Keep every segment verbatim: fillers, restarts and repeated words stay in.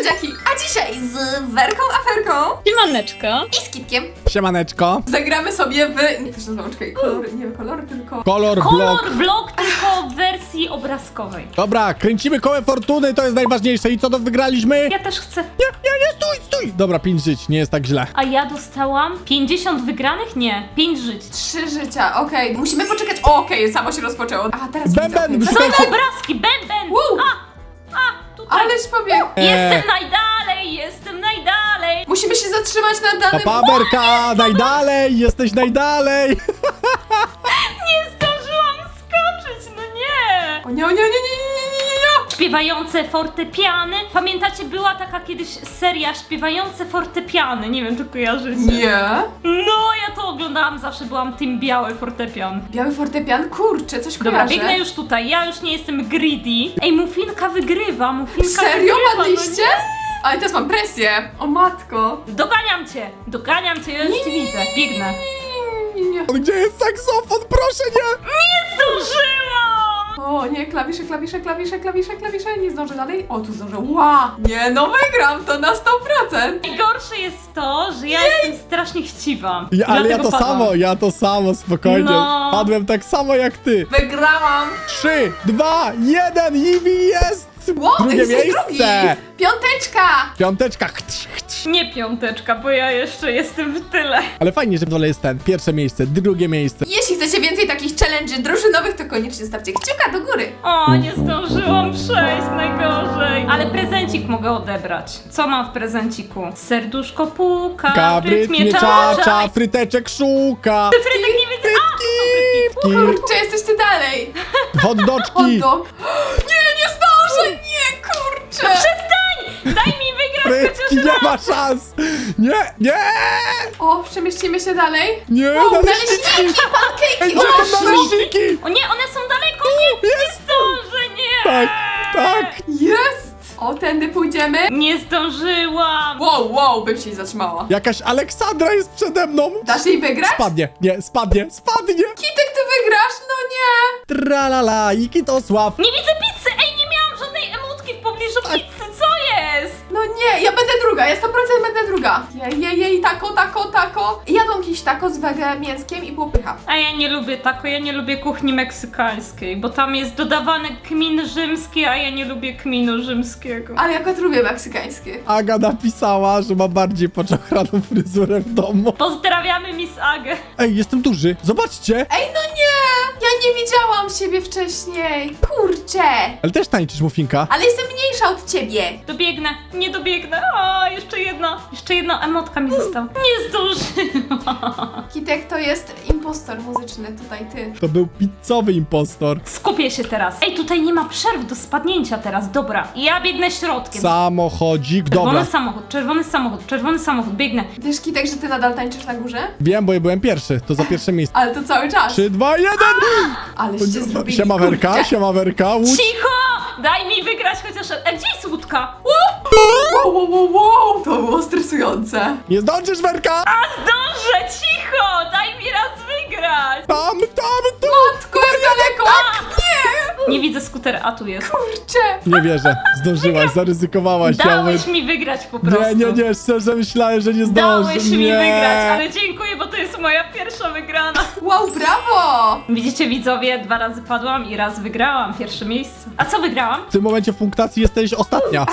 słodziaki! A dzisiaj z Werką Aferką Siemaneczko. i z Kitkiem Siemaneczko. zagramy sobie w... Nie, też nazywam, czekaj, kolor, nie kolor, tylko... Kolor blok. Kolor blok, tylko w wersji obrazkowej. Dobra, kręcimy kołem fortuny, to jest najważniejsze. I co to wygraliśmy? Ja też chcę. Nie, nie, nie, stój, stój. Dobra, pięć żyć, nie jest tak źle. A ja dostałam pięćdziesiąt wygranych? Nie, pięć żyć. Trzy życia, okej. Musimy poczekać... O, okej, samo się rozpoczęło. A, teraz Bęben, widzę, To okej. są Słuchajcie- obrazki, bęben! Wow. A, a, tutaj. Ależ pobiegł. Eee. Jestem najdalej, jestem najdalej. Musimy się zatrzymać na danym... Papa, Werka, najdalej, jesteś najdalej. Nie zdążyłam skoczyć, no nie. O nie, o nie, nie, nie, nie, nie, nie, nie. Śpiewające fortepiany. Pamiętacie, była taka kiedyś seria Śpiewające fortepiany. Nie wiem, czy kojarzycie. Nie. No, ja to oglądałam, zawsze byłam tym biały fortepian. Biały fortepian? Kurczę, coś Dobra, kojarzę. biegnę już tutaj, ja już nie jestem greedy. Ej, Muffinka wygrywa, Muffinka Serio wygrywa. padliście? Ale teraz mam presję. O matko. No doganiam cię, doganiam cię, ja już cię widzę, biegnę. Nie, nie, nie. Gdzie jest saksofon? Proszę nie. Nie zdążyłam! O nie, klawisze, klawisze, klawisze, klawisze, klawisze, nie zdążę dalej. O, tu zdążę, ła! Nie, no wygram to na sto procent. Najgorsze jest to, że ja jestem strasznie chciwa. Ja, ale ja Dlatego to padłam. samo, ja to samo, spokojnie. No. Padłem tak samo jak ty. Wygrałam! Trzy, dwa, jeden i jest. Wow, Drugie jesteś miejsce. drugi! Piąteczka! Piąteczka. Chtsz, chtsz. Nie piąteczka, bo ja jeszcze jestem w tyle. Ale fajnie, że w dole jest ten. Pierwsze miejsce, drugie miejsce. Jeśli chcecie więcej takich challenge'y drużynowych, to koniecznie stawcie kciuka do góry. O, nie zdążyłam przejść, najgorzej. Ale prezencik mogę odebrać. Co mam w prezenciku? Serduszko puka, Kabryt nie czacza, fryteczek szuka. Frytek nie widzę. A, to są frytki. Kurczę, jesteście dalej. Hot Hot doczki. dog. Nie, nie zdążę, nie, kurczę. Przestań! Daj mi wygrać Frytki, chociaż nie raz. ma szans. Nie, nie, O, przemieścimy się dalej. nie, Wow, naleśniki. naleśniki, Ej, pankejki, gdzie o, są naleśniki? O nie, one są daleko, nie, nie zdążę, nie! Tak, tak. Jest! O, tędy pójdziemy. Nie zdążyłam! Wow, wow, bym się nie zatrzymała. Jakaś Aleksandra jest przede mną. Dasz jej wygrać? Spadnie, nie, spadnie, spadnie. Kitek, ty wygrasz? No nie. Tralala, Ikitosław. Nie widzę pizzy! Ej, nie miałam żadnej emotki w pobliżu pizzy, co jest? No nie, ja będę druga, ja sto procent będę druga. Jej, jej, jej, tako, tako, tako. Jadłam jakiś tako z wege mięskiem i było pycha. A ja nie lubię tako, ja nie lubię kuchni meksykańskiej, bo tam jest dodawany kmin rzymski, a ja nie lubię kminu rzymskiego. Ale ja akurat lubię meksykańskie. Aga napisała, że ma bardziej poczochraną fryzurę w domu. Pozdrawiamy Miss Agę. Ej, jestem duży, zobaczcie. Ej, no nie! Ja nie widziałam siebie wcześniej. Kurczę. Ale też tańczysz, Muffinka. Ale jestem mniejsza od ciebie. Dobiegnę, nie dobiegnę. O, jeszcze jedna, jeszcze jedna emotka mi została. Nie zdążyłam. Kitek to jest impostor muzyczny, tutaj ty. To był pizzowy impostor. Skupię się teraz. Ej, tutaj nie ma przerw do spadnięcia teraz, dobra. Ja biegnę środkiem. Samochodzik, Czerwony dobra. samochód, czerwony samochód, czerwony samochód, biegnę. Wiesz, Kitek, że ty nadal tańczysz na górze? Wiem, bo ja byłem pierwszy, to za pierwsze miejsce. Ale to cały czas. Trzy, dwa, jeden! Aleście zrobili, Siema Werka, kurczę. siema Werka, łódź. Cicho! Daj mi wygrać chociaż... E, gdzie jest łódka? Wow, wow, wow, wow. To było stresujące. Nie zdążysz, Werka! A zdążę, cicho! Daj mi raz wygrać! Tam, tam, tam! Matko, jak daleko! Nie! Nie widzę skutera, a tu jest. Kurczę. Nie wierzę, zdążyłaś, zaryzykowałaś. Dałeś mi wygrać po prostu. Nie, nie, nie, szczerze myślałem, że nie zdążę. Dałeś nie. mi wygrać, ale dziękuję, bo to jest moja pierwsza wygrana. Wow, brawo! Widzicie widzowie, dwa razy padłam i raz wygrałam, pierwsze miejsce. A co wygrałam? W tym momencie w punktacji jesteś ostatnia.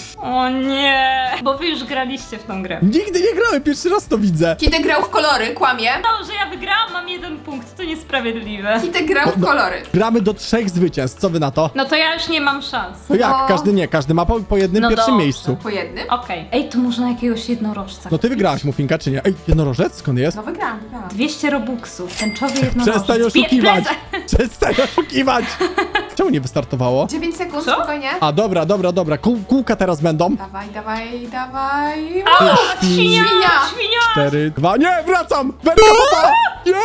O nie, bo wy już graliście w tą grę. Nigdy nie grałem, pierwszy raz to widzę. Kitek grał w kolory, kłamie. To, że ja wygrałam, mam jeden punkt, to niesprawiedliwe. Kitek grał w kolory. Gramy do trzech zwycięstw, co wy na to? No to ja już nie mam szans. No jak, O. każdy nie, każdy ma po, po jednym No pierwszym dobrze. miejscu. Po jednym? Okej. Ej, tu można jakiegoś jednorożca. No ty wygrałaś, Muffinka, czy nie? Ej, jednorożec? Skąd jest? No wygrałam, wygrałam. dwieście robuxów, tęczowy jednorożec. Przestań Bie- oszukiwać! prezent. Przestań oszukiwać! Czemu nie wystartowało? dziewięć sekund, Co? spokojnie. A dobra, dobra, dobra, Kół, kółka teraz będą. Dawaj, dawaj, dawaj. A, Wow, świnia, świnia. świnia! Cztery, dwa, nie, wracam! Werka, papa! Nie!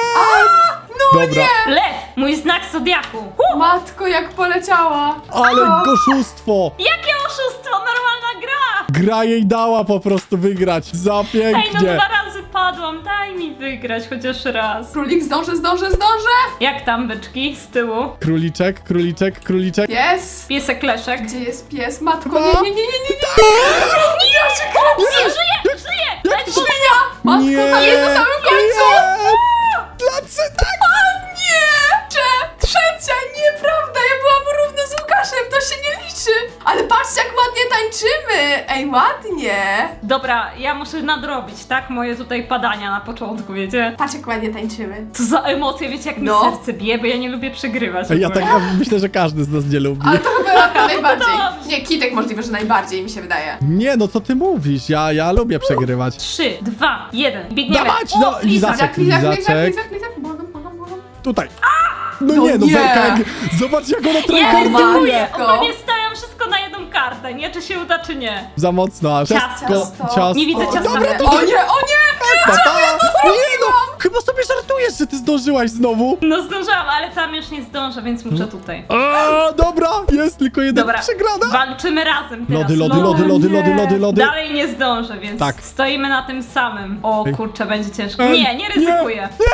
No Dobra, nie! Lew, mój znak zodiaku. Uh, Matko, jak poleciała. ale O, oszustwo! jakie oszustwo, normalna gra! Gra jej dała po prostu wygrać. Za Ej, no pięknie. dwa razy padłam, daj mi wygrać chociaż raz. Królik, zdążę, zdążę, zdążę. Jak tam, byczki, z tyłu? Króliczek, króliczek, króliczek. Pies. Piesek Leszek. Gdzie jest pies? Matko, Dwa. nie, nie, nie, nie, nie, nie. Matko, Nie, tam jest na samym końcu! Nie! Dlaczego tak? Nie! Cze- Trzecia, nieprawda, ja byłam równo z Łukaszem, to się nie liczy! Ale patrzcie, jak ładnie tańczymy! Ej, ładnie! Dobra, ja muszę nadrobić, tak? Moje tutaj padania na początku, wiecie? Patrz, jak ładnie tańczymy. Co za emocje, wiecie jak mi No. serce bije, bo ja nie lubię przegrywać. Ja tak ja myślę, że każdy z nas nie lubi. Ale to chyba Latka najbardziej. Dobrze. Nie, Kitek możliwe, że najbardziej, mi się wydaje. Nie, no co ty mówisz? Ja, ja lubię przegrywać. Trzy, dwa, jeden, biegniemy. Dawać, O, no, Liza. Lizaczek. Lizak, lizak, lizak, Lizaczek. lizak, lizak, błagam, błagam, błagam. Tutaj. No, No nie, no nie. Werka, jak... zobacz jak ona Ja trójkątuje. ryzykuję, Matko. ogólnie stawiam wszystko na jedną kartę, nie? Czy się uda, czy nie. Za mocno, aż Ciasto. ciasto. Nie widzę ciasta. Dobra, to O nie, o nie! pa, pa. Nie no, chyba sobie żartujesz, że ty zdążyłaś znowu. No zdążyłam, ale tam już nie zdążę, więc muszę tutaj. A, dobra, jest tylko jeden Dobra, przegrana. walczymy razem teraz. Lody, lody, No, lody, lody, lody, lody, lody. Dalej nie zdążę, więc Tak. stoimy na tym samym. O Ej. kurczę, będzie ciężko. Ej, Nie, nie ryzykuję. Nie,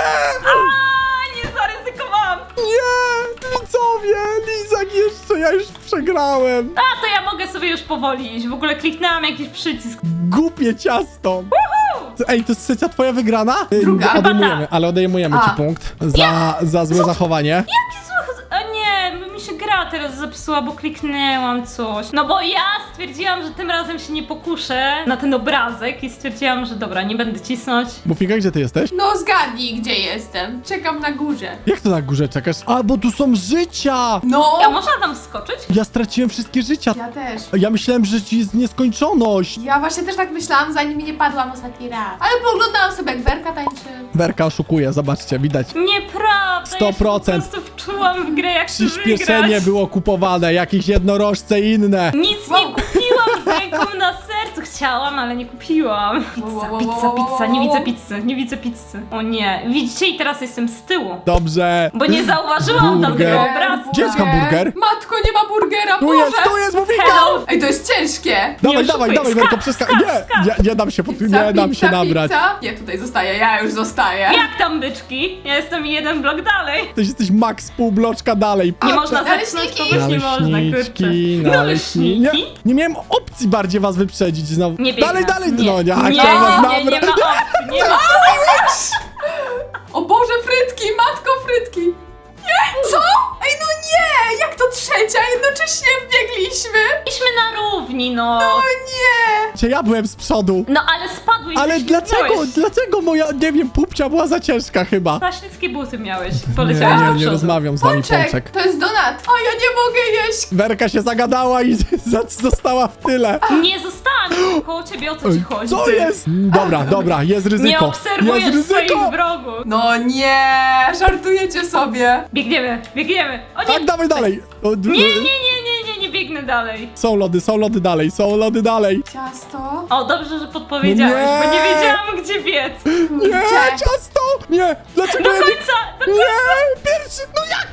A, nie zaryzykowałam. nie, widzowie, Lizak jeszcze, ja już przegrałem. A, to ja mogę sobie już powoli iść. W ogóle kliknęłam jakiś przycisk. Głupie ciasto. Ej, to jest trzecia twoja wygrana? Druga. Ej, Odejmujemy, Chyba ale odejmujemy A. ci punkt za, za złe zachowanie. Jaki zły... A nie, bo mi się gra teraz zepsuła, bo kliknęłam coś. No bo ja stwierdziłam, że tym razem się nie pokuszę na ten obrazek i stwierdziłam, że dobra, nie będę cisnąć. Muffinka, gdzie ty jesteś? No zgadnij, gdzie jestem. Czekam na górze. Jak to na górze czekasz? A, bo tu są życia! No! Ja można tam wskoczyć? Ja straciłem wszystkie życia. Ja też. Ja myślałem, że ci jest nieskończoność. Ja właśnie też tak myślałam, zanim nie padłam ostatni raz. Ale pooglądałam sobie, jak Werka tańczy. Werka oszukuje, zobaczcie, widać. Nieprawda, sto procent. ja się po prostu wczułam w grę, jak chcę Przyspieszenie wygrać. było kupowane, jakieś jednorożce i inne. Nic Wow. nie kupiłam z ręką na sercu. Chciałam, ale nie kupiłam. Pizza, Wow, wow, pizza, wow, wow, pizza. Nie wow. widzę pizzy, nie widzę pizzy. O nie, widzicie i teraz jestem z tyłu. Dobrze. Bo nie zauważyłam Burger. tamtego obrazku. Gdzie jest hamburger? Matko, nie ma burgera, Tu Boże! jest, tu jest, Muffinka! Hello. Ej, to jest ciężkie! Dawaj, Nie dawaj, oszukuj. dawaj, Skacz, Werko, przeska... skacz, Nie, skacz. nie, nie dam się, pod... Pizza, nie dam pizza, się nabrać. Pizza. Nie, tutaj zostaję, ja już zostaję. Jak tam byczki? Ja jestem jeden blok dalej. Ty jesteś max pół bloczka dalej. Nie A, można naleśniki. zepchnąć, po prostu nie można, kurczę. Naleśniczki, naleśniki. Nie, Naleśniki? nie miałem opcji bardziej was wyprzedzić znowu. Nie biegnę. Dalej, dalej, nie. no nie, nie, chciałem was nie, nie, nie nabrać. ma opcji, nie ma. O Boże, frytki, matko, frytki! Nie, co? Ej, no nie! Jak to trzecia? Jednocześnie biegliśmy! Idźmy na równi, no. O nie! Cię, ja byłem z przodu. No ale spadłeś, Ale dlaczego, ześlizgnąłeś. dlaczego moja, nie wiem, pupcia była za ciężka chyba? Zaślickie buty miałeś, Nie, poleciałeś do nie, nie przodu. rozmawiam z wami, Pączek, Pączek. to jest donat! O, ja nie mogę jeść! Werka się zagadała i za- została w tyle. Nie zostałam koło ciebie, o co ci chodzi? Co ty? jest? Dobra, dobra, jest ryzyko. Nie obserwujesz jest swoich ryzyko. wrogów. No nie! Żartujecie sobie! Biegniemy, biegniemy. O nie, Tak, dawaj dalej. O, d- nie, nie, nie, nie, nie, nie biegnę dalej. Są lody, są lody dalej, są lody dalej. Ciasto? O, dobrze, że podpowiedziałeś, No nie. bo nie wiedziałam, gdzie biec. Nie, Kurczę. ciasto! Nie, dlaczego Do ja nie... końca, do... Nie, pierwszy, no jak?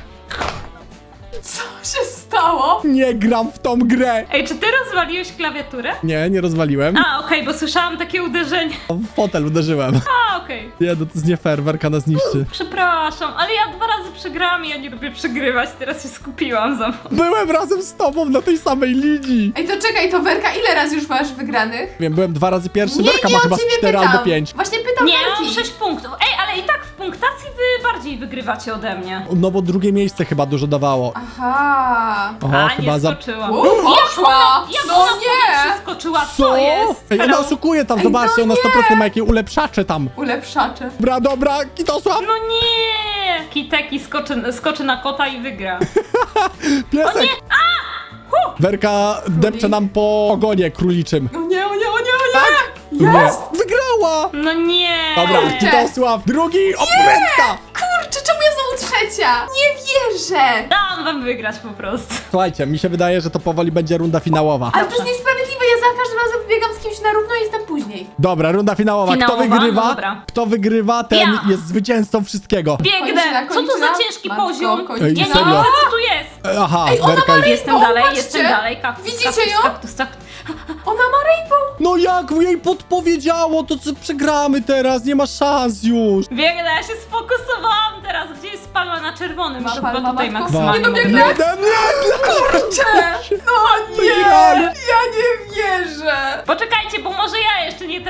Co się stało? Nie gram w tą grę. Ej, czy ty rozwaliłeś klawiaturę? Nie, nie rozwaliłem. A, okej, bo słyszałam takie uderzenie. W fotel uderzyłem. A, okej. Nie, no to jest nie fair, Werka nas niszczy. Przepraszam, ale ja dwa razy przegrałam i ja nie lubię przegrywać, teraz się skupiłam za mną. Byłem razem z tobą na tej samej linii. Ej, to czekaj, to Werka, ile razy już masz wygranych? Wiem, byłem dwa razy pierwszy, Nie, Werka nie ma o chyba z ciebie cztery pytam. albo pięć. Właśnie pytam Nie, mam Werki. sześć punktów. Ej, ale i tak w punktacji wy bardziej wygrywacie ode mnie. No bo drugie miejsce chyba dużo dawało. Aha. Oho, A, chyba nie za... skoczyłam. Uuu, poszła! Jak No ona w powietrze nie! skoczyła? Co, jest? Ej, ona Hello? oszukuje tam, Ej, zobaczcie, no ona nie. sto procent ma jakieś ulepszacze tam. Ulepszacze. Dobra, dobra, Kitosław, No nie! Kiteki skoczy, skoczy na kota i wygra. piesek. Werka depcze nam po ogonie króliczym. O nie, o nie, o nie, o nie! Tak? Jest! Nie. Wygrała! No nie! Dobra, Kurczę. Kitosław, drugi, opręta! Kurczę, czemu ja znowu trzecia? Nie wierzę! Dam wam wygrać po prostu. Słuchajcie, mi się wydaje, że to powoli będzie runda finałowa. Ale to jest niesprawiedliwe, ja za każdym razem biegam z kimś na równo i jestem później. Dobra, runda finałowa. Kto Finałowa? wygrywa? No dobra. Kto wygrywa, ten Ja. jest zwycięzcą wszystkiego. Biegnę! Kończyna, Co to za kończyna? ciężki Matko, poziom? kończyna. Ej, Ja nie serio? widzę, co tu jest. E, Aha, Ej, ona Werka ma jest... Jestem O, dalej, patrzcie. jestem dalej. Kaktus, Widzicie kaktus, ją? kaktus, kaktus. Ona ma rainbow! No jak jej podpowiedziało, to co przegramy teraz, nie ma szans już. Biegnę, ja się sfokusowałam teraz. Gdzie jest palma na czerwonym? Ma Muszę palma, chyba tutaj matko? maksymalnie Nie, no mogę- biegnę. Jeden, nie, Kurczę! No nie! Wygrali. Ja nie wierzę! Poczekajcie, bo może ja jeszcze nie trafię.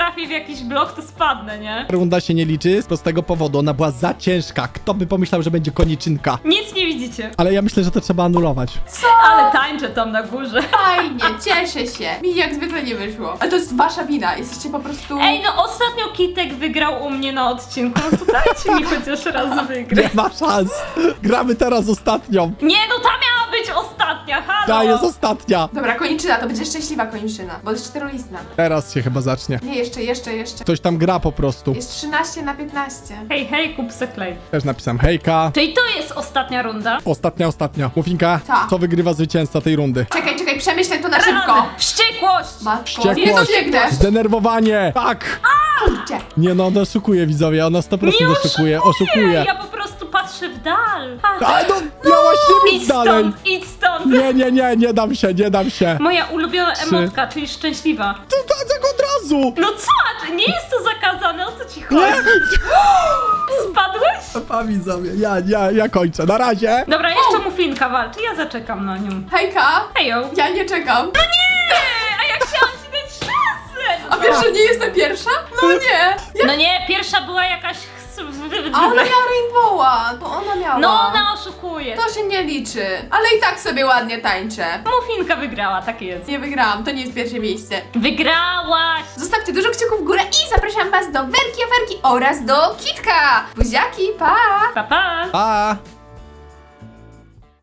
trafię w jakiś blok, to spadnę, nie? Runda się nie liczy z prostego powodu, ona była za ciężka. Kto by pomyślał, że będzie koniczynka? Nic nie widzicie. Ale ja myślę, że to trzeba anulować. Co? Ale tańczę tam na górze. Fajnie, cieszę się. Mi jak zwykle nie wyszło. Ale to jest wasza wina, jesteście po prostu... Ej, no ostatnio Kitek wygrał u mnie na odcinku, no to dajcie mi chociaż raz wygrać. Nie ma szans. Gramy teraz ostatnią. Nie, no ta miała być ostatnia, halo! Ta jest ostatnia. Dobra, koniczyna, to będzie szczęśliwa koniczyna, bo jest czterolistna. Teraz się chyba zacznie. Nie, jeszcze, jeszcze, jeszcze. Ktoś tam gra po prostu. Jest trzynaście na piętnaście. Hej, hej, kup se klej. Też napisałem hejka. Czyli to jest ostatnia runda? Ostatnia, ostatnia. Mufinka, Ta. co wygrywa zwycięzca tej rundy? Czekaj, czekaj, przemyślę to na szybko. Wściekłość! Matko, Wściekłość. jest to biegnę. Zdenerwowanie! Tak! Kurczę. Nie no, ona oszukuje widzowie, ona sto procent Nie oszukuje, oszukuję! oszukuje. Ja po prostu patrzę w dal. Ha. A no, miałaś nie Idź być dalej! stąd, idź stąd! Nie, nie, nie, nie dam się, nie dam się. Moja ulubiona Trzy. emotka, czyli szczęśliwa. To tak od razu! No co? Nie jest to zakazane, o co ci chodzi? Nie! Spadłeś? Pa widzowie, ja, ja, ja kończę, na razie. Dobra, jeszcze Mufinka walczy, ja zaczekam na nią. Hejka. Hejo. Ja nie czekam. Nie! A ja chciałam ci dać szansę! A wiesz, że nie jestem pierwsza? No nie. Ja... No nie, pierwsza była jakaś... A ona miała Rainbowa, to ona miała. No ona oszukuje. To się nie liczy. Ale i tak sobie ładnie tańczę. Mufinka wygrała, tak jest. Nie wygrałam, to nie jest pierwsze miejsce. Wygrałaś! Zostawcie dużo kciuków w górę i zapraszam was do Werki Aferki oraz do Kitka. Buziaki, pa! Pa, pa! Pa!